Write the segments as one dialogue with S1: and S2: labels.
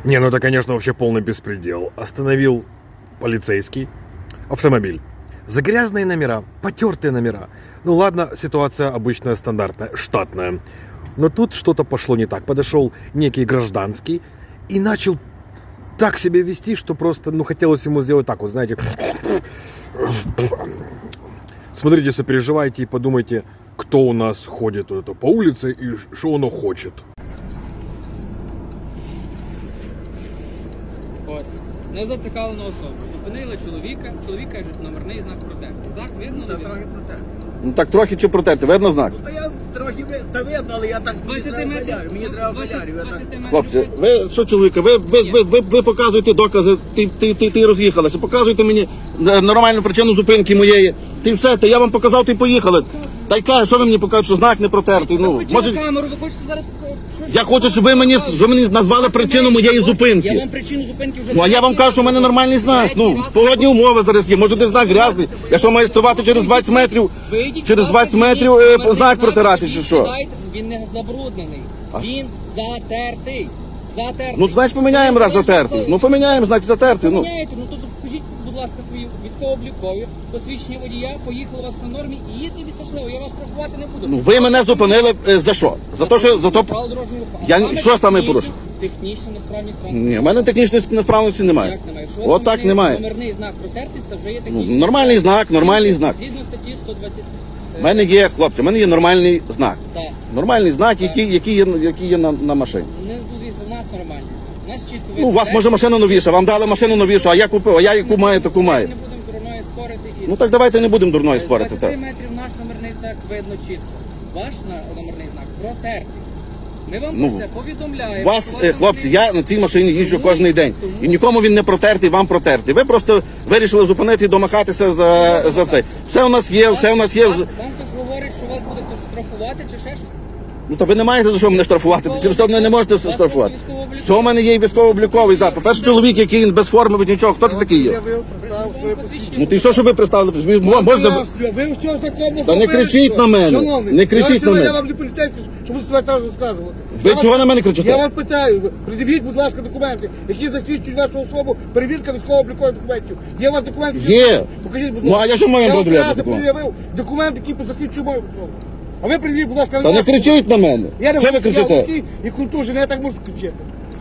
S1: Не, ну это, конечно, вообще полный беспредел. Остановил полицейский автомобиль. За грязные номера, потертые номера. Ну ладно, ситуация обычная, стандартная, штатная. Но тут что-то пошло не так. Подошел некий гражданский и начал так себя вести, что просто, ну, хотелось ему сделать так, вот, знаете. Смотрите, сопереживайте и подумайте, кто у нас ходит вот это по улице и что оно хочет.
S2: Ось. Незацікавлену особу. Зупинили чоловіка, чоловік каже, номерний знак протертий. Так, видно?
S3: Та
S2: не видно?
S3: трохи протерти.
S4: Ну так трохи чи протерти, видно знак?
S3: Та я трохи видно, але я так
S2: 20 метрів.
S3: Мені треба валярю.
S2: 20 метрів.
S4: Хлопці, ви що, чоловіка, ви показуєте докази, ти роз'їхалися, показуєте мені нормальну причину зупинки моєї. Ти все, та я вам показав, ти поїхали. Та й каже, що ви мені покажете, що знак не протертий. Ну,
S2: Включили камеру, ви хочете зараз...
S4: я хочу, щоб ви мені назвали причину моєї
S2: Я
S4: зупинки.
S2: вам причину зупинки вже...
S4: Ну, а я вам кажу, що в мене нормальний знак. Ну, погодні умови зараз є. Може, де знак грязний. Я що, маю ставати через 20 метрів, через 20 метрів знак протирати, чи що?
S2: Він не забруднений. Він затертий.
S4: Ну, значить, поміняємо раз затертий. Ну, поміняємо, значить, затертий. Ну.
S2: Поміняєте, ну то покажіть, будь ласка, свої військово-облікові, посвідчення водія, поїхали у вас в нормі і їдьте щасливо, я вас штрафувати не буду.
S4: Ну, ви мене зупинили за що? За те, що... За то...
S2: Правила дорожнього руху.
S4: Я-
S2: Саме
S4: що саме порушив?
S2: Технічна несправність транспорту.
S4: Ні, в мене технічної несправності немає.
S2: Як немає? Якщо у вас
S4: От так немає.
S2: номерний знак протертий, це вже є
S4: Ну,
S2: технічний.
S4: нормальний знак, нормальний знак.
S2: Згідно статті 120.
S4: У мене є, хлопці, в мене є нормальний знак.
S2: Так.
S4: Нормальний знак, який є на машині.
S2: Не дивіться, в нас нормальний знак. У нас чітко
S4: Ну, у вас може машина новіша, вам дали машину новішу, а я купив, а я яку маю, таку маю.
S2: Не будемо дурною спорити.
S4: Ну так давайте не будемо дурною спорити.
S2: 20
S4: Так.
S2: метрів наш номерний знак видно чітко. Ваш номерний знак протертий. Ми вам
S4: Ну,
S2: про це повідомляємо.
S4: Вас,
S2: що
S4: хлопці, я на цій машині їжджу кожен день. І нікому він не протертий, вам протертий. Ви просто вирішили зупинити і домахатися за це. Все у нас є, все у нас є.
S2: Вам хтось говорить, що вас буде хтось штрафувати чи ще щось?
S4: Ну то ви не маєте за що мене штрафувати, через що мене не можете штрафувати. Все у мене є і військово-обліковий. Так, по-перше, чоловік, який без форми, без нічого, хто це такий є?
S3: Я представив своє посвідчення.
S4: Ну ти що ви представили? Ви можете...
S3: Ви що законно
S4: Та не кричіть на мене.
S3: Шановний,
S4: Не кричіть на мене.
S3: Я вам не поліцейський, щоб ви себе зараз розказувати.
S4: Ви чого на мене кричите?
S3: Я вас питаю, придивіть, будь ласка, документи, які засвідчують вашу особу, перевірка військово-облікових документів. Є у вас документи?
S4: Є.
S3: Покажіть, будь
S4: Ну,
S3: ласка.
S4: а я що маю
S3: Я вам
S4: пред'являти
S3: раз
S4: документи?
S3: пред'явив документи, які засвідчують мою особу. А ви придивіть, будь ласка,
S4: Та не кричіть на мене.
S3: Я не
S4: Що ви кричите?
S3: і культурний, я так можу кричати.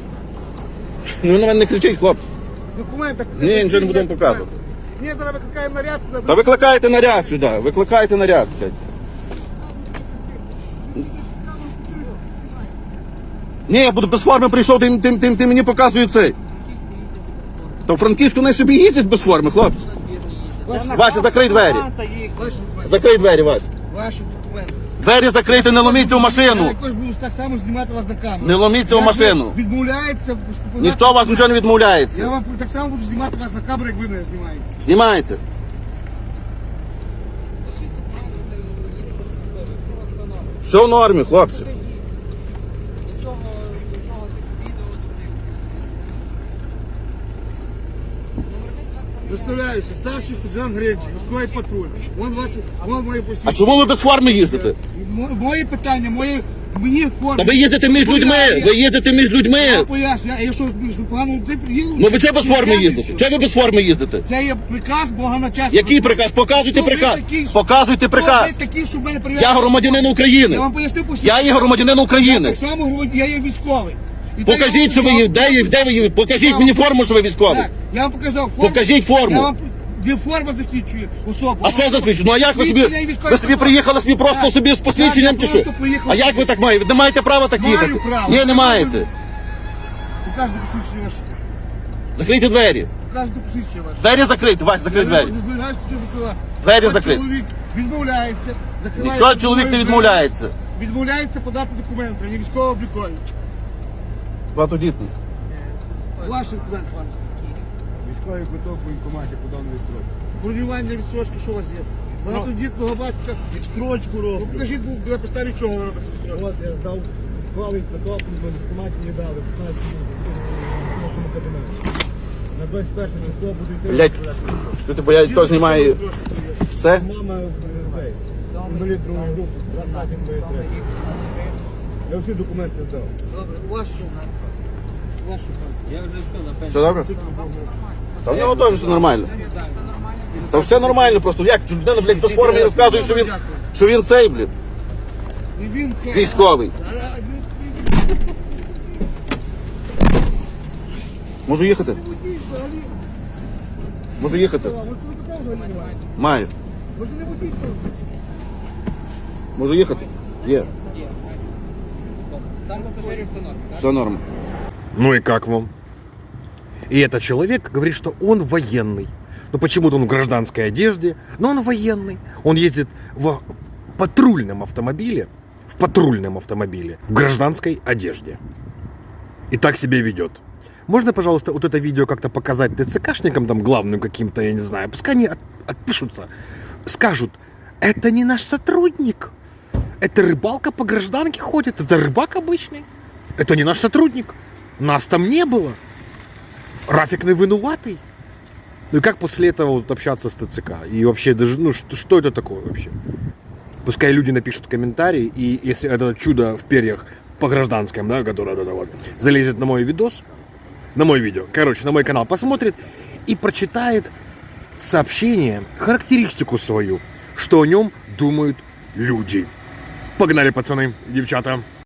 S4: Ну ви на мене не кричіть, хлопці.
S3: Документи.
S4: Ні, нічого не будемо показувати.
S3: Ні, зараз викликаємо наряд сюди.
S4: Та викликайте наряд сюди, викликайте наряд. Ні, я буду без форми прийшов, ти мені показує цей. Та в Франківську не собі їздять без форми, хлопці. Вася, закрий двері. Закрий двері, Вася.
S3: Ваші документи.
S4: Двері закрийте, не ломіться в
S3: Я
S4: машину.
S3: якось буду так само знімати вас на камеру.
S4: Не ломіться в машину.
S3: Відмовляється.
S4: Ніхто у вас нічого не
S3: Я
S4: відмовляється.
S3: вам так само буду знімати вас на камеру, як ви мене знімаєте.
S4: Знімайте. Все в нормі, хлопці.
S3: Представляюся, старший сержант Гринчик, військовий патруль. Вон моє
S4: А
S3: посвідчення.
S4: чому ви без форми їздите?
S3: Мої питання, мені форма.
S4: Та ви їздите між людьми, ви їздите між
S3: Я
S4: людьми.
S3: поясню, я що погано їду?
S4: Ну ви чого без форми їздите? Чого ви без форми їздите?
S3: Це є приказ Бога на час.
S4: Який приказ? Показуйте приказ. Показуйте приказ.
S3: Ви такі, щоб мене перевіряли?
S4: Я громадянин України.
S3: Я вам поясню посвідчення.
S4: Я є громадянин України.
S3: Так само я є військовий. І
S4: Покажіть, що ви є. Де ви є? Покажіть мені форму, що ви військовий.
S3: Так, я вам показав форму.
S4: Покажіть форму.
S3: Я вам де форма засвідчує особу.
S4: А що засвідчує? Ну а як ви собі?
S3: Посвідчення і військовий
S4: Ви собі
S3: паспорт.
S4: приїхали собі просто
S3: Так.
S4: собі з посвідченням
S3: Так,
S4: чи
S3: я
S4: що?
S3: просто приїхав.
S4: А як ви так маєте? Ви не маєте права так
S3: Маю
S4: їхати?
S3: право.
S4: Ні, не маєте.
S3: Покажете посвідчення ваше.
S4: Закрийте двері.
S3: Покажете посвідчення ваше.
S4: Двері закрийте, Вась, закрий двері.
S3: Не збираюсь нічого закривати.
S4: Двері
S3: Ось
S4: закриті.
S3: Чоловік відмовляється. закриває
S4: Нічого чоловік не
S3: двері.
S4: відмовляється.
S3: Відмовляється подати документи, не військово-облікові.
S4: Багатодітний.
S3: Ваші документи, пане.
S5: Військовий квиток в воєнкоматі подав на відстрочку.
S3: Бронювання відстрочки, що у вас є? Багатодітного батька.
S5: Відстрочку
S3: Ну,
S5: роблю.
S3: покажіть, на підставі чого ви робите відстрочку.
S5: От я дав військовий квиток, в воєнкоматі мені дали 15 минут в кабінеті. На 21 число буду йти.
S4: Блять, люди боять, хто знімає це?
S5: Мама весь. Інвалід другої групи, брат інвалід третій. Я всі документи здав.
S3: Добре, у вас що? Вашу хату.
S2: Я вже все напевно.
S4: Все добре? Та в нього теж все нормально. Та все нормально, просто як людина, блядь, без форми розказує, що він цей, блядь,
S3: Не він це.
S4: військовий. Можу їхати? Можу їхати? Маю.
S3: Може не водій, що?
S4: Можу їхати? Є.
S2: Там пасажирів все норм.
S4: Все норм.
S1: Ну и как вам? И этот человек говорит, что он военный. Ну почему-то он в гражданской одежде, но он военный. Он ездит в патрульном автомобиле, в гражданской одежде. И так себя ведет. Можно, пожалуйста, вот это видео как-то показать ТЦКшникам, там, главным каким-то, я не знаю, пускай они отпишутся, скажут, это не наш сотрудник, это рыбалка по гражданке ходит, это рыбак обычный, это не наш сотрудник, нас там не было, Рафик не винуватый. Ну и как после этого вот общаться с ТЦК? И вообще, даже, ну, что это такое вообще? Пускай люди напишут комментарии, и если это чудо в перьях по гражданским, да, которое вот, залезет на мой видос, на мой видео, короче, на мой канал посмотрит и прочитает сообщение, характеристику свою, что о нем думают люди. Погнали, пацаны, девчата.